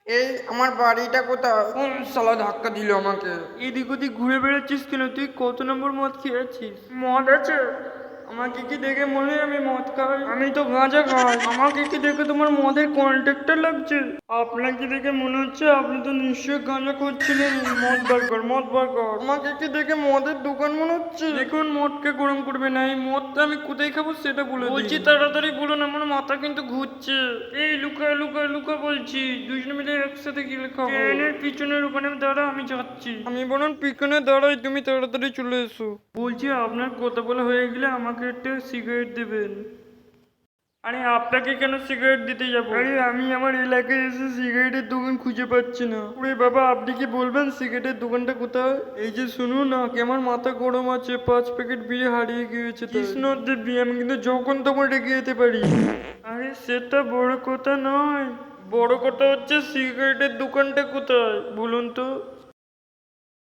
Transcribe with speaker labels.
Speaker 1: এই আমার বাড়িটা কোথায়? কোন শালা ধাক্কা দিল আমাকে?
Speaker 2: এদিক ওদিক ঘুরে বেড়াচ্ছিস কেন? তুই কত নম্বর মদ খেয়েছিস? মদ আছে? আমাকে কি দেখে মনে হয় আমি মদ খাই? আমি তো গাঁজা খাই। আমাকে কি দেখে তোমার মদের কন্ট্রাক্টর লাগছে? আপনাকে দেখে মনে হচ্ছে আপনি তো নিশ্চয়ই গাঁজা করছিলেন। মদ বার কর, মদ বার কর।
Speaker 1: আমাকে কি দেখে মদের দোকান মনে হচ্ছে?
Speaker 2: দেখুন, মদকে গরম করবে না। এই মদটা আমি কোথায় খাবো সেটা বলে বলছি, তাড়াতাড়ি বলুন, আমার মাথা কিন্তু ঘুরছে। এই লুকা লুকা লুকা বলছি, দুজনে মিলে একসাথে গেলে খাবো। ট্রেনের পিছনের ওখানে দাঁড়া, আমি যাচ্ছি।
Speaker 1: আমি বরং পিছনে দাঁড়াই, তুমি তাড়াতাড়ি চলে এসো।
Speaker 2: বলছি, আপনার কথা বলা হয়ে গেলে আমাকে একটা সিগারেট দেবেন। আরে আপনাকে কেন সিগারেট দিতে যাবো? আরে আমি আমার এলাকায় এসে সিগারেটের দোকান খুঁজে পাচ্ছি না। ওরে বাবা, আপনি কি বলবেন সিগারেটের দোকানটা কোথায়? এই যে শুনুন না, কি আমার মাথা গরম আছে, 5 প্যাকেট বিয়ে হারিয়ে গিয়েছে। কৃষ্ণ দেবী, আমি কিন্তু যখন তখন রেখে যেতে পারি। আরে সেটা বড় কথা নয়, বড় কথা হচ্ছে সিগারেটের দোকানটা কোথায় বলুন তো।